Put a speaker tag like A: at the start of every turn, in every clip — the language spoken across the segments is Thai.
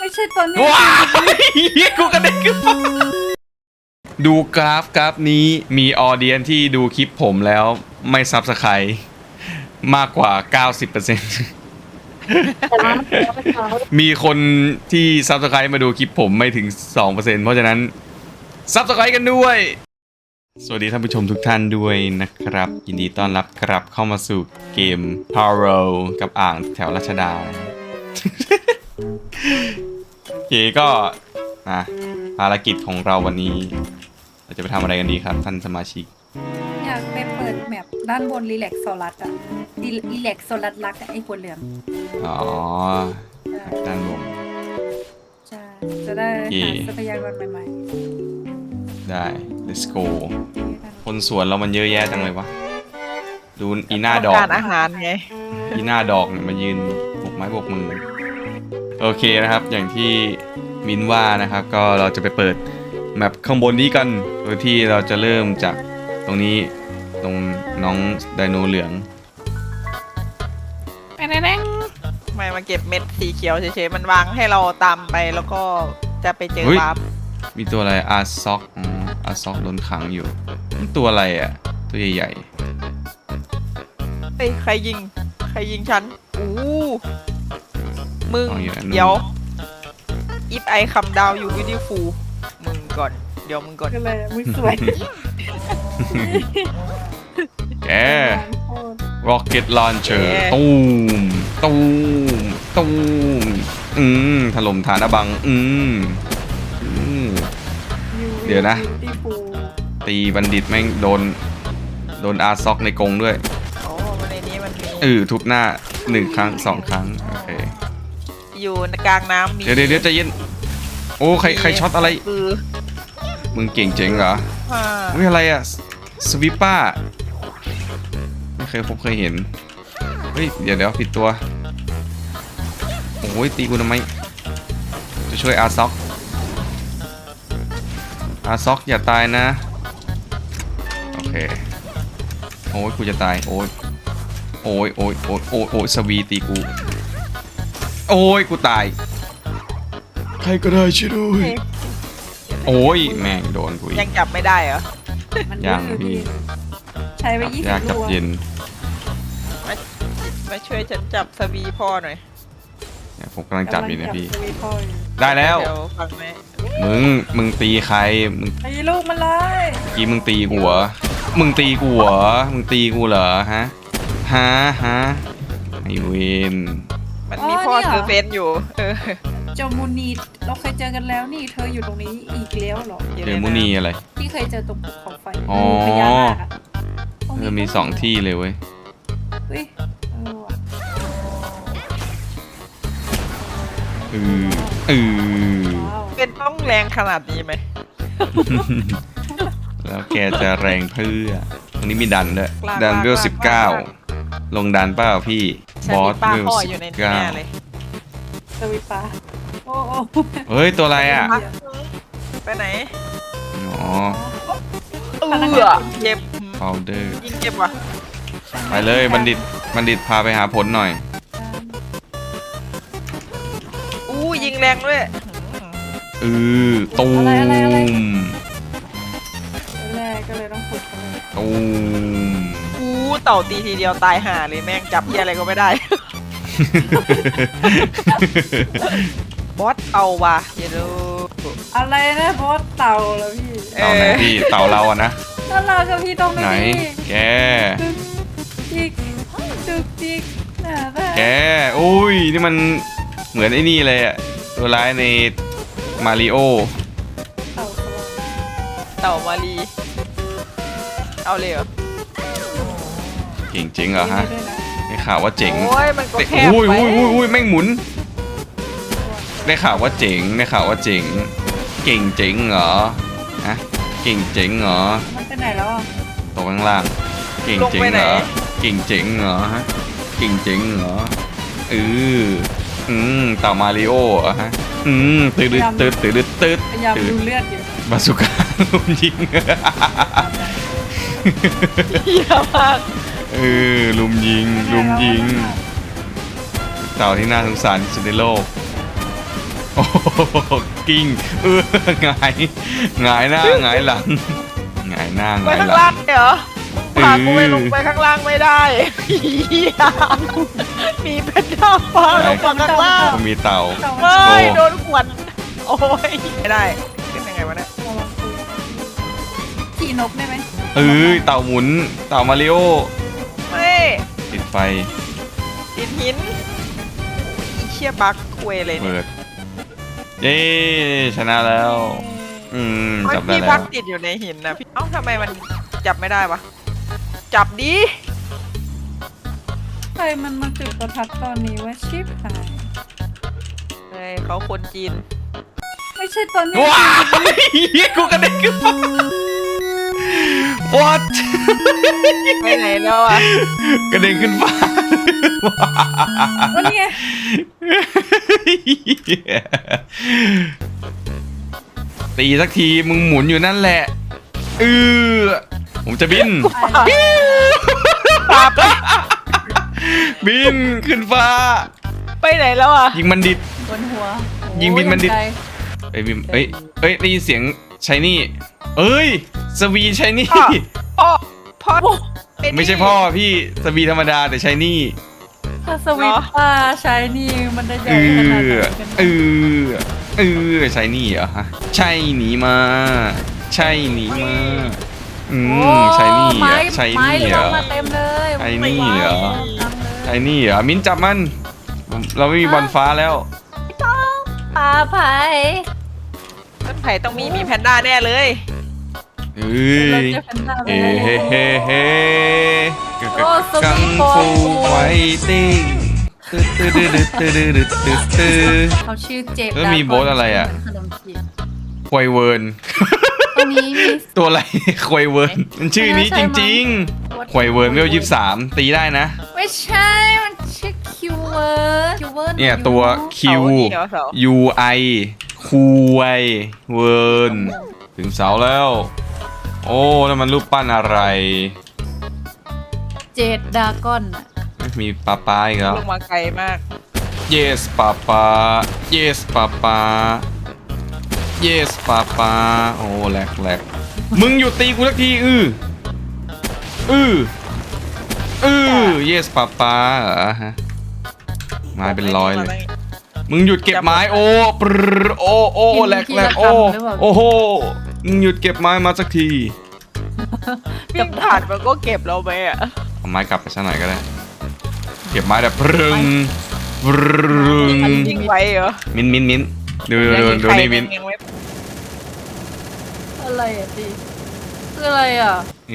A: ไม่ใช่ตอนนี้
B: ว้ายกูกระเด็นขึ้นมาดูกราฟนี้มีออเดียนที่ดูคลิปผมแล้วไม่ซับสไครต์มากกว่า 90% มีคนที่ซับสไครต์มาดูคลิปผมไม่ถึง 2% เพราะฉะนั้นซับสไครต์กันด้วยสวัสดีท่านผู้ชมทุกท่านด้วยนะครับ ยินดีต้อนรับกลับเข้ามาสู่เกม Power กับอ่างแถวรัชดา โอเคก็ภารกิจของเราวันนี้เราจะไปทำอะไรกันดีครับท่านสมาชิก
A: อยากไปเปิดแมปด้านบนรีแลกโซลัสอะรีแลกโซลัสรักอะไอ้หัวเหลือง
B: อ๋อด้านบน
A: ใช่จะได้
B: โอเค
A: หาทรัพยากรใหม่
B: ได้ let's go
A: ๆ
B: คนสวนเรามันเยอะแยะจังเลยวะดูอีหน้าดอก
C: การอาหารไง
B: อีหน้าดอกเนี่ยมายืนบกไม้บกมือโอเคนะครับอย่างที่มินว่านะครับก็เราจะไปเปิดแมปข้างบนนี้กันโดยที่เราจะเริ่มจากตรงนี้ตรงน้องไดโนเหลือง
C: ไม่มาเก็บเม็ดสีเขียวเฉยๆมันวางให้เราตามไปแล้วก็จะไปเจอวาร์ป
B: มีตัวอะไรอาร์ซ็อกอาร์ซ็อกโดนขังอยู่นี่ตัวอะไรอ่ะตัวใหญ่
C: เฮ้ยใครยิงฉันอู้มึง
B: ๆเอาอยู่อันนู้น
C: เดี๋ยว if I come down you beautiful มึงก่อนเดี๋ยวมึงก่อน
A: ก็เลยมึงสวย
B: แก Rocket Launcher ตูมตูมตูมถล่มฐานอบังเดี๋ยวนะ ตีบัณฑิตแม่งโดนอาร์ซ็อกในกรงด้วย
C: โอ้ในนี้มันมี
B: ทุบหน้า1 ครั้ง 2 ครั้งโอเค
C: อยู่กลางน้ำมี
B: เดี๋ยวใจเย็นโอ้ใครช็อตอะไร
C: คือ
B: มึงเก่งเจ๋งเหรอ
C: อ่า
B: เฮ้ยอะไรอะสวิปป้าไม่เคยเห็นเฮ้ยเดี๋ยวผิดตัวโอ้ยตีกูทำไมจะช่วยอาร์ซ็อกอย่าตายนะโอเคโอ้ยกูจะตายโอ้ยสวีตีกูโอ้ยกูตายใครก็ได้ช่วยด้วยโอ้ยแม่งโดนกูอี
C: ยัง
B: ก
C: จับไม่ได้เหรอ
A: มัน
B: ยัง
A: ดื้อ
B: พี่
A: ใช้ไป20
B: ยากจับ
A: ลูก
B: เย็น
C: มาช่วยฉันจับสวีพ่อหน่อย
B: เนี่ยผมกำลังจับอยู่เนี่ยพี่
A: กำลังจับพ่ออยู่
B: ได้แล้ว
C: เดี๋ยวฟังไหม
B: มึงตีใครมึง
A: ไอ้ลูกมันเลย
B: เมื่อกี้มึงตีกูเหรอมึงตีกูเหรอฮะไอเวน
C: มันมีพ่อซื้อเฟนอยู่
A: เจามูนีเราเคยเจอกันแล้วนี่เธออยู่ตรงนี้อีกแล้วเหรอ
B: เจอมุนีอะไร
A: ที่เคยเจอตรงภูเขาไฟ
B: อ๋อ
A: พญานาคอะตรงนี้
B: มี2 ที่เลยเว้ย
A: เฮ้ยว่ะ ว้าว
C: เป็นต้องแรงขนาดนี้ไหม
B: แล้วแกจะแรงเพื่อตรงนี้มีดันด้วย
C: ลาก
B: ดันเวล
C: ลาก
B: 19ลงดันเปล่าพี่
C: ฉัน
B: บอ
C: มี
B: ส
C: ป้า
B: เวล
C: พ่ออยู่ในนี้แน่เลย
A: สวิปปาโอ้โอ้
B: เฮ้ยตัวอะไรอ่ะ
C: ไปไหน
B: อ๋อ
C: เจ็บ
B: พาวเดอร์
C: ยิงเจ็บว่ะ
B: ไปเลยบัณฑิตพาไปหาผลหน่อย
C: อู้ยิงแรงด้วย
B: ตูม
A: แรกก็เลยต้องฝึกกันเลย
B: ตูม
C: อู้เต่าตีทีเดียวตายห่าเลยแม่งจับเหี้ยอะไรก็ไม่ได้ บอสเอาว่ะอย่าดู
A: อะไรนะบอสเต่าเหรอพี่
B: เต่าไหนพี่เต่าเราอะนะ
A: น่ารักกับพี่ตรง
B: ไหน
A: นี้
B: แก
A: จิกจุกจิกน่ารัก
B: แกอุ้ยนี่มันเหมือนไอ้นี่เลยอะตัวร้ายในมาริโอ
A: เต่าสว่าง
C: เต่ามารีเอาเลยเหรอ
B: เก่งจริงเหรอฮะ
A: ด้วยน
B: ได้ข่าวว่าเจ๋ง
C: โอ้ยมันก็แคบ
B: อุ้ย
C: ไป
B: แม่งหมุน ได้ข่าวว่าเจ๋งเก่งเจ๋งเหรอฮะเก่งเจ๋งเหรอ
A: มันไปไหนแล้วอ่ะ
B: ตกข้างล่างเก่งเจ๋งเหรอเก่งเจ๋งเหรอฮะเก่งเจ๋งเหรอเต่ามาริโอเหรอฮะตืด
A: พยายามดูเลือดอยู่
B: บาสุก้าลุมยิง
C: เหี้ยมาก
B: ลุมยิงเต่าที่น่าสงสารที่สุดในโลกโอ้โหกิ้งหงายหงายหน้าหงายหลังหงายหน้าห
C: ไป
B: งาย
C: ข้าง
B: หลั
C: ล่าง งเหรอพากูไปลงไปข้างล่างไม่ได้เหี้ยมีแพนด้าฟ้าลงมาข้างล่าง
B: ก็มีเต่า
C: ไม่โดนขวดโอ้ยไม่ได้ขึ้นยังไงวะเนี่ย
A: ขี่นกได้ไหม
B: เต่าหมุนเต่ามาริโอ
C: ไม่
B: ติดไฟ
C: ติดหินอีเชี่ยบักคุยเลยเนี่ย
B: เปิดเย้ชนะแล้วจับได้
C: พี่
B: แล้
C: พั
B: ว
C: กติดอยู่ในหินนะพี่เอ้าทำไมมันจับไม่ได้วะจับดิ
A: ใครมันมาจุดประทัดตอนนี้ว่าชิปหาย
C: เฮ้ยเขาคนจีน
A: ไม่ใช่ตอนนี้
B: ว้ายกูกระเด็นขึ้นมา what
C: ไปไหนแล้วอะ
B: กระเด็นขึ้นฟ้า
A: วันนี้ไง
B: ตีสักทีมึงหมุนอยู่นั่นแหละผมจะบิน
C: ปาไป
B: บินขึ้นฟ้า
C: ไปไหนแล้วอะ
B: ยิงมันดิด
A: บนหัว
B: ยิงบินมันดิ
A: โอ้ย
B: เอ้ยบินได้ยินเสียงชายนี่เอ้ยสวีชายนี่
C: พ่ออ้นี่
B: ไม่ใช่พ่อพี่สวีธรรมดาแต่ชายนี่
A: ถ้าสวิตช์ป้าใช้นี่มันได้ใหญ่ขนาดไหนกัน
B: ใช่นี่เหรอฮะใช่หนีมาใช่หนีมาใช่นี่เหรอใช่
A: ไม้
B: นี่
A: ล
B: เหรง อ
A: มาเต็มเลย
B: ไอ้นี่เหรอ
A: ตามเลย
B: ใช่นี่เหรอมิ้นจับมัน เราไม่มีบอลฟ้าแล้ว
A: ปลาไผ่
C: ต้นไผ่ต้องมีแพนด้าแน่เลย
B: เอ้
A: เรา
B: ย
A: จะเป็นดาว
B: เฮ้เฮ้เฮ้เฮ้
A: โอ้ส
B: กัง
A: วีทบอ
B: ฟู
A: ล
B: ไฟติ้ง
A: เขาชื่อเจฟ
B: แล้วมีโบ๊ทอะไรอะ
A: ขนมจีน
B: ควายเวิร์น
A: ตัวนี้มี
B: ตัวอะไร ควายเวิร์นมันชื่อนี้จริงๆควายเวิร์นเวล23ตีได้นะ
A: ไม่ใช่ มันชื่อคิวเวิร์ดคิวเวิร์ด
B: เนี่ยตัว Q
C: เสานี่เหรอเสา
B: U I คูไวเวิร์นถึงเสาแล้ว โอ้แล้วมันรูปปั้นอะไร
A: เจดดากอนอะ
B: มีปลาปลาอีกแล้ว
C: ลงมาไกลมาก
B: Yes ปลาปลา Yes ปลาปลา Yes ปลาปลาโอ้แหลกมึงหยุดตีกูสักทีYes ปลาปลาเหรอฮะไม้เป็นร้อยเลย มึงหยุดเก็บไม้โอ้ปรโอ้แหลกโอ้โหมึงหยุดเก็บไม้มาสักที
C: วิ่งผ่านมันก็เก็บเราไปอะ
B: เอาไม้กลับไปสักหน่อยก็ได้ เก็บไม้แบบปรึงปรึง
C: มันวิ่งไวเหรอ
B: มิ้นดูนี่มิ้น
C: ยังไม่
A: อะไรอ่ะตีคืออะไรอ่ะ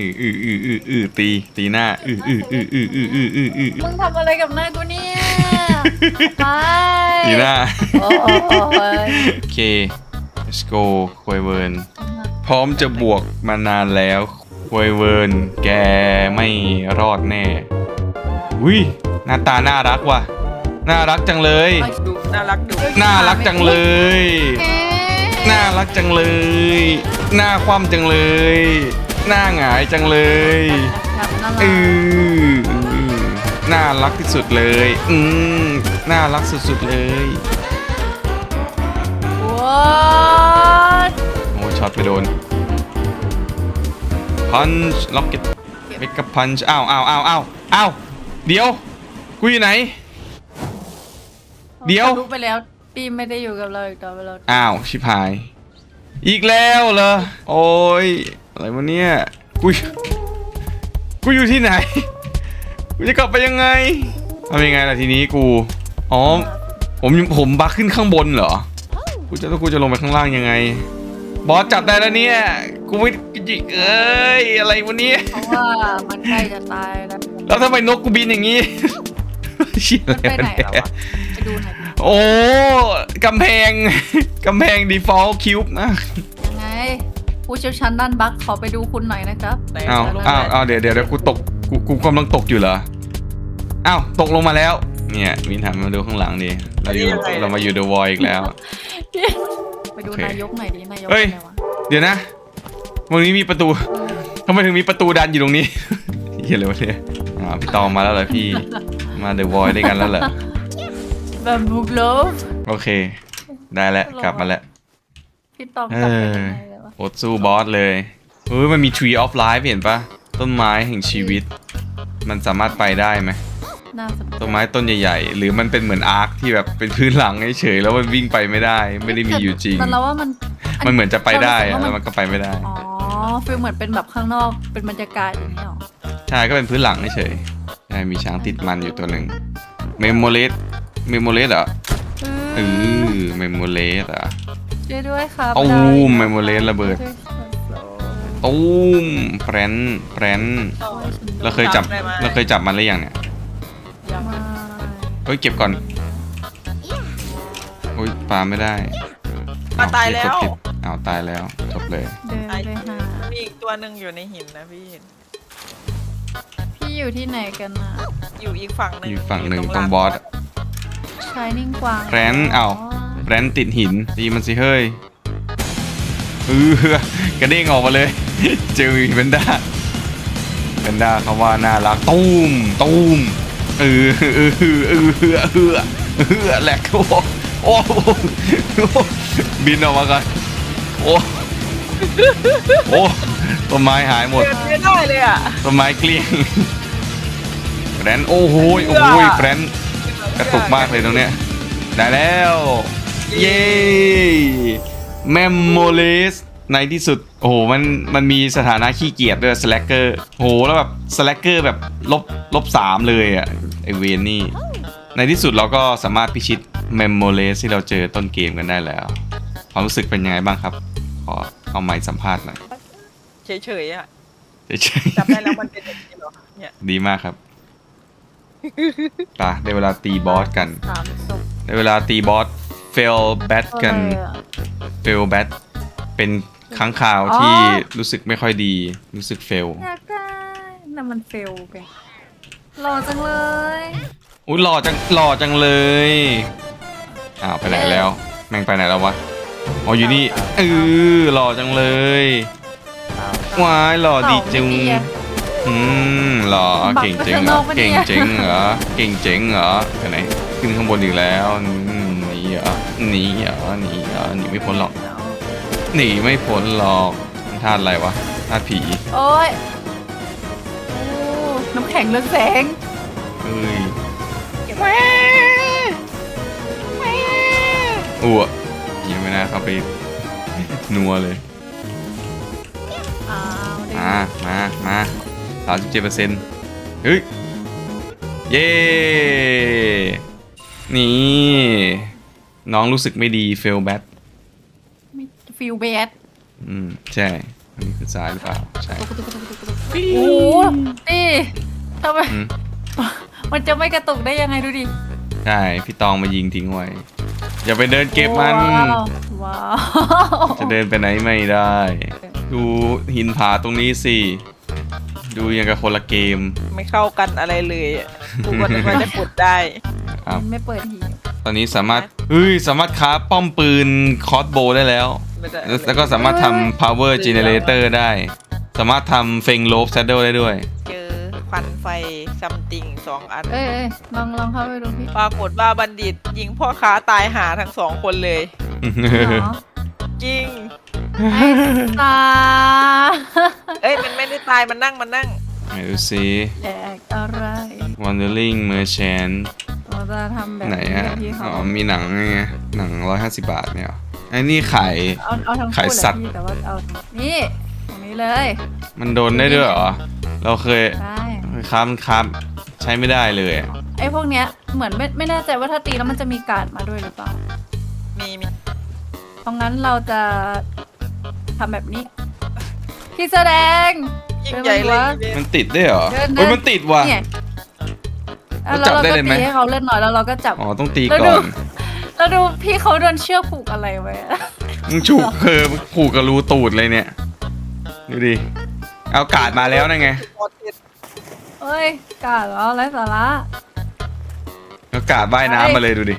B: ตีหน้า
A: มึงทำอะไรกับหน้ากูเนี่ย ไป
B: ตีหน้า
A: โอ้ย
B: โอเค let's go ควยเวิร์นพร้อมจะบวกมานานแล้วควยเวิร์นแกไม่รอดแน่อุ้ยหน้าตาน่ารักว่ะน่ารักจังเลย
C: ดูน่ารักดู
B: น่ารักจังเลย น่ารักจังเลย หน้าคว่ำจังเลย หน้าหงายจังเลย
A: แบบน่า
B: เอ
A: รัก
B: น่ารักที่สุดเลยน่ารักสุดๆเลย
A: ว้า
B: โอ้ช็อตไปโดนพันช์ล็อกเก็ตเมกะพันช์อ้าวเดี๋ยวกูอยู่ไหน เดี๋ยว
A: รู้ไปแล้วปีไม่ได้อยู่กับเราอีกต่อไปแล้ว
B: อ้าวชิบหาย อีกแล้วเหรอโอ้ยอะไรวะเนี่ยกูอยู่ที่ไหนกูจะกลับไปยังไงทำยังไงล่ะทีนี้กูอ๋อผมบักขึ้นข้างบนเหรอกูจะลงไปข้างล่างยังไงบอสจับได้แล้วเนี่ยกูไม่จิกเอ้ยอะไรวะเนี่ย
A: เพราะว่ามันใกล้จะตายแล้ว
B: แล้วทำไมนกกูบินอย่างนี้ เชี่ย
A: มัน
B: อะไร
A: ไปไหน
B: วะ
A: แล้ว
B: เนี่ย
A: อะไปดูหน่อยดิ
B: โอ้กำแพง default cube นะ
A: ยังไงผู้เชี่ยวชาญด้านบัคขอไปดูคุณหน่อยนะครับ
C: ไหน
B: อ้าวเดี๋ยวกูตกกูกำลังตกอยู่เหรออ้าวตกลงมาแล้วเนี่ยมินถามมาดูข้างหลังดิเรามาอยู่ The Void อีกแล้ว
A: ไปดู
B: โอเค
A: นายกหน่อยดินายก
B: เฮ้ย
A: อะไรวะ
B: เดี๋ยวนะวันนี้มีประตูทำไมถึงมีประตูดันอยู่ตรงนี้ เหี้ยอะไรวะเนี่ยพี่ตองมาแล้วเหรอพี่มา The Void ด้วยกันแล้วเหรอ
A: แบบบูโกลฟ
B: โอเคได้แล้วกลับมาแล้ว
A: พี่ตองกลับไปยังไงเลยวะ
B: โอดสู้บอสเลยเฮ้ยมันมี Tree of Life เห็นปะต้นไม้แห่งชีวิต มันสามารถไปได้ไหม
A: น่าสนใจ
B: ต้นไม้ต้นใหญ่ๆหรือมันเป็นเหมือนอาร์คที่แบบเป็นพื้นหลังเฉยๆแล้วมันวิ่งไปไม่ได้ ไม่ได้มีอยู่จริง
A: แต่เราว่ามัน
B: มันเหมือนจะไปได้
A: เรารู้สึกว่า
B: แล้วมันก็ไปไม่ได้
A: อ๋อฟีลเหมือนเป็นแบบข้างนอกเป็นบรรยากาศอย่างนี้หรอ
B: ใช่ก็เป็นพื้นหลังเฉยๆใช่มีช้างติดมันอยู่ตัวหนึ่งเมมโมเลสเหรอเมมโมเลสอ่ะ
A: ช่วยด้วยครับ
B: ตู
A: ได้
B: มเมมโมเลสระเบิดตูมแปรนเราเคยจับมันหรือยังเนี่ย
A: มา
B: เฮ้ยเก็บก่อนโอ้ยปาไม่ได้
C: มาตายแล้ว
B: กดผิดอ้าวตายแล้วจบเลย
A: เดินไปหา
C: มีอีกตัวหนึ่งอยู่ในหินนะพี่
A: พี่อยู่ที่ไหนกันนะ
C: อยู่อีกฝั่งหนึ่ง
B: อยู่ฝั่งหนึ่งตรงบอส
A: ชายนิ่งกวาง
B: แพรนอ้าว แบรนด์ติดหินตีมันสิเฮ้ยกระเด้งออกมาเลย เจอแพนด้าเขาว่าน่ารักตูมแหลกโอ้บินออกมาก่อนโอ้ต้นไม้หายหมด
C: เดินไม่ได้เลยอ่ะ
B: ต้นไม้เกลี้ยงแบรนด์โอ้โหแบรนด์กระตุกมากเลยตรงเนี้ยได้แล้วเย้แมมโมเลสในที่สุดโอ้โหมันมีสถานะขี้เกียจด้วยสแลกเกอร์โอ้โหแล้วแบบสแลกเกอร์แบบลบ3เลยอ่ะไอเวนนี่ในที่สุดเราก็สามารถพิชิตแมมโมเลสที่เราเจอต้นเกมกันได้แล้วความรู้สึกเป็นยังไงบ้างครับขอเอาไมค์สัมภาษณ์หน่อย
C: เฉยๆอ่ะ
B: เฉย
C: จับได้แล้วมันเป็นอย่างนี้เหรอเนี่ย
B: ๆดีมากครับไปได้เวลาตีบอสกัน
A: 3ศพ
B: ในเวลาตีบอสเฟลแบทกัน
A: อะไรอะ
B: เฟลแบทเป็นครั้งข่าวที่รู้สึกไม่ค่อยดีรู้สึกเฟล
A: อยากได้น่ะมันเฟลไปหล่อจังเลย
B: อุ้ยหล่อจังเลยอ้าวไปไหนแล้ว แม่งไปไหนแล้ววะอ๋ออยู่นี่หล่อจังเลยว้ายหล่อดีจุงหล่อเก่งเจ๋งเหรอเก่งเจ๋งเหรอไปไหนขึ้นข้างบนอีกแล้วหนีเหรอหนีไม่พ้นหรอกหนีไม่พ้นหรอกธาตุอะไรวะธาตุผี
A: โอ้ยโอ้น้ำแข็งเรืองแสง
B: เอ้ย
A: แหว
B: ยังไม่น่าเข้าไปนัวเลย
A: อ้าวเด็ก
B: มา37%เฮ้ยเย้นี่น้องรู้สึกไม่ดีเฟลแบท
A: ไม่ฟิลแบด
B: ใช่อันนี้คือซ้ายหรือเปล่าใช่
A: โอ้โหนี่ทำไม
B: อืม
A: มันจะไม่กระตุกได้ยังไงดูดิ
B: ใช่พี่ตองมายิงทิ้งไว้อย่าไปเดินเก็บมัน
A: ว้าว
B: จะเดินไปไหนไม่ได้ ดูหินผาตรงนี้สิ ดูยังกับคนละเกม
C: ไม่เข้ากันอะไรเลยอะกูก็นึกว่าจะขุดได้
B: ครับ
A: มันไม่เปิดหีบ
B: ตอนนี้สามารถค้าป้อมปืนคอสโบได้แล้ว
C: ไม่ได้
B: แล้วก็สามารถทำ power generator ได้ สามารถทำเฟงโลฟแซดเดิลได้ด้วย
C: เจอควันไฟซัมติง2 อัน
A: เอ้ยลองเข้าไปดูพี่
C: ปรากฏว่าบัณฑิตยิงพ่อค้าตายหาทั้ง2 คนเลย
A: เหรอ
C: จริง
A: ไอ้ตา
C: เอ้ยมันไม่ได้ตายมันนั่ง
B: ไหนดูซิ
A: แจกอะไร
B: Wandering Merchant
A: เราจะทำแบบ
B: ไหน
A: นี้
B: ฮะ
A: กับพี่เขา
B: อ๋อมีหนังไงหนัง150 บาทเนี่ยเหรอไอ้นี่ขาย
A: เอาทั้ง
B: ขาย
A: คู่
B: สั
A: เล
B: ตว์
A: ยพี่แต่ว่าเอานี่ตรงนี้เลย
B: มันโดนได้ด้วยเหรอ เราเคย
A: ได้
B: ค้าใช้ไม่ได้เลยอะ
A: ไอ้พวกเนี้ยเหมือนไม่แน่ใจว่าถ้าตีแล้วมันจะมีการ์ดมาด้วยหรือเปล่า
C: มี
A: เพราะงั้นเราจะทำแบบนี้พี่แสดง
C: ยิ่งใหญ่เลย
B: มันติดได้เหรอ
A: เดินนะ
B: โอ้ยมันติดว่ะ
A: เนี่ย
B: แล้ว
A: แล้ว
B: จับ
A: เรา
B: ได้
A: ก็
B: เลยไหม
A: ตีให้เขาเล่นหน่อยแล้วเราก็จับ
B: อ๋อต้องตี
A: แล้ว
B: ก่
A: ดู
B: อน
A: แล้วดูพี่เขาโดนเชือกผูกอะไรไว้อะ
B: มึงฉุกผูกกับรูตูดเลยเนี่ย ดูดิ เอากาดมาแล้วนั่นไง
A: เอ้ยกาดเหรอไรสาระ
B: เอากาดว่ายน้ำมาเลยดูดิ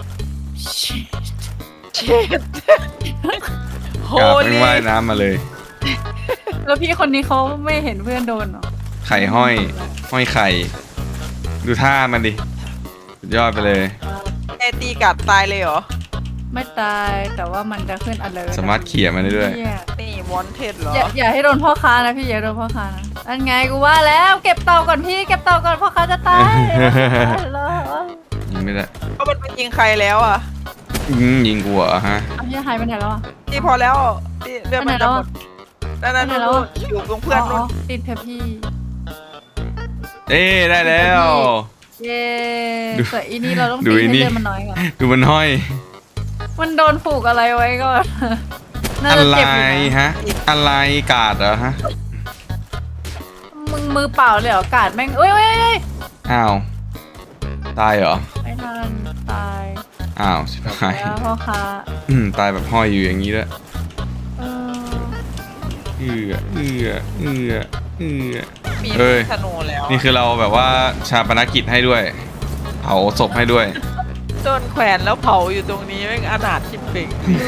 C: เช็ดโฮ
B: กาดไม่
C: ลี่
B: ว่ายน้ำมาเลย
A: แล้วพี่คนนี้เขาไม่เห็นเพื่อนโดนเหรอ
B: ไข่ห้อยไข่ ดูท่ามันดิสุดยอดไปเลย
C: ไอตีกัดตายเลยเหรอ
A: ไม่ตายแต่ว่ามันจะขึ้นalert
B: สามารถเขี่ยมันได้ด้วย
A: เนี่ย
C: นี่มอนเทสเหรอ
A: อย่าให้โดนพ่อค้านะพี่อย่าโดนพ่อค้านะอันไงกูว่าแล้วเก็บเต่าก่อนพี่เก็บเต่าก่อนพ่อค้าจะตายแล้ว
B: ยิงไม่ได้
C: ก็มันยิงใครแล้วอ่ะ
B: ยิงกูเหรอฮะ
A: เอาพี่หายไปไหนแล้วอ่ะ
C: นี่พอแล้วนี่เรื่องมันจะหมดนั่น
A: ไปไหนแล้วอะ
C: อยู่ตรงเพื่อนนู่น
A: ติดเถอะพี่
B: เอ้ได้แล้ว
A: เย้
B: ดู
A: แต่อีนี่เราต้อง
B: ดู
A: ตี
B: อี
A: ให้
B: นี่
A: เลือดมันน้อยก่อน
B: ดูมันห้อย
A: มันโดนผูกอะไรไว้ก่อนน่า
B: อะ
A: จะ
B: ไร
A: เจ็บอยู่นะ
B: ฮะ อะไรกาดเหรอฮะ
A: มึงมือเปล่าเลยเหรอกาดแม่งเอ้ย
B: อ้าว ตายเหรอ
A: ไม่ทันตาย
B: อ้าวชิบหาย
A: แล้วพ่อค้า
B: ตายแบบห้อยอยู่อย่างนี้ด้วย
A: เออ
B: เอือเอือเอือเอือ
C: มี
B: เอ้ย
C: ธนูแล้ว
B: นี่คือเราแบบว่าชาปนกิจให้ด้วย เผาศพให้ด้วย
C: โดนแขวนแล้วเผาอยู่ตรงนี้แม่งอนาถชิบเป่ง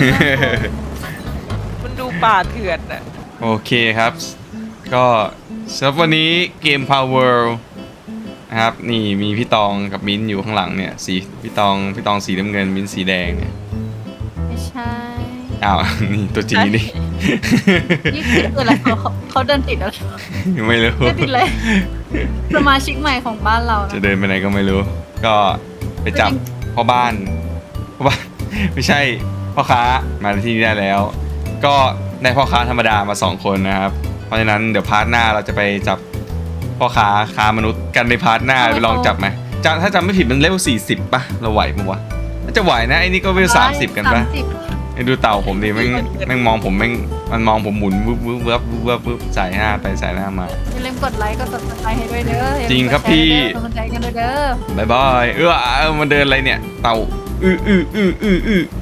C: มันดูป่าเถื่อนอ่ะ
B: โอเคครับ ก็สำหรับวันนี้เกม Power นะครับ นี่มีพี่ตองกับมิ้นท์อยู่ข้างหลังเนี่ยสีพี่ตองสีน้ำเงินมิ้นท์สีแดงเนี่ย
A: ไม่ใช่
B: อ้าว นี่ตัวจีนี่
A: นี่คืออะไรเขาเดินติดอะไร
B: ไม่รู้
A: เดินติดเลยสมาชิกใหม่ของบ้านเรานะ
B: จะเดินไปไหนก็ไม่รู้ ก็ไปจับพ่อบ้าน ไม่ใช่พ่อค้ามาที่นี่ได้แล้ว ก็ได้พ่อค้าธรรมดามา2คนนะครับ เพราะฉะนั้นเดี๋ยวพาร์ทหน้าเราจะไปจับพ่อค้ามนุษย์กันในพาร์ทหน้าไปลองจับไหมถ้าจำไม่ผิดมันเลเวล40ป่ะเราไหวมั้วะน่าจะไหวนะไอ้นี่ก็เลเวล30กันป่ะ
A: 30
B: ไอ้ดูเต่าผมดิแม่งมองผมมันมองผมหมุนวึบวึบวึบวึบวึบใส่หน้าไปใส่หน้ามา
A: อย่าลืมกดไลค์กด subscribe ให้ด้วยเด้ออย่าลืม
B: จริงครับ
A: กดแช
B: พี่
A: กดกำลังใจกันด้วยเด้อ
B: บายบายมันเดินอะไรเนี่ย เต่าอื้อ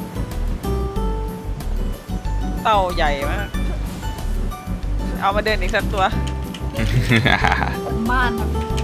C: เต่าใหญ่มาก เอามาเดินอีกสักตัว
A: บ้านครับ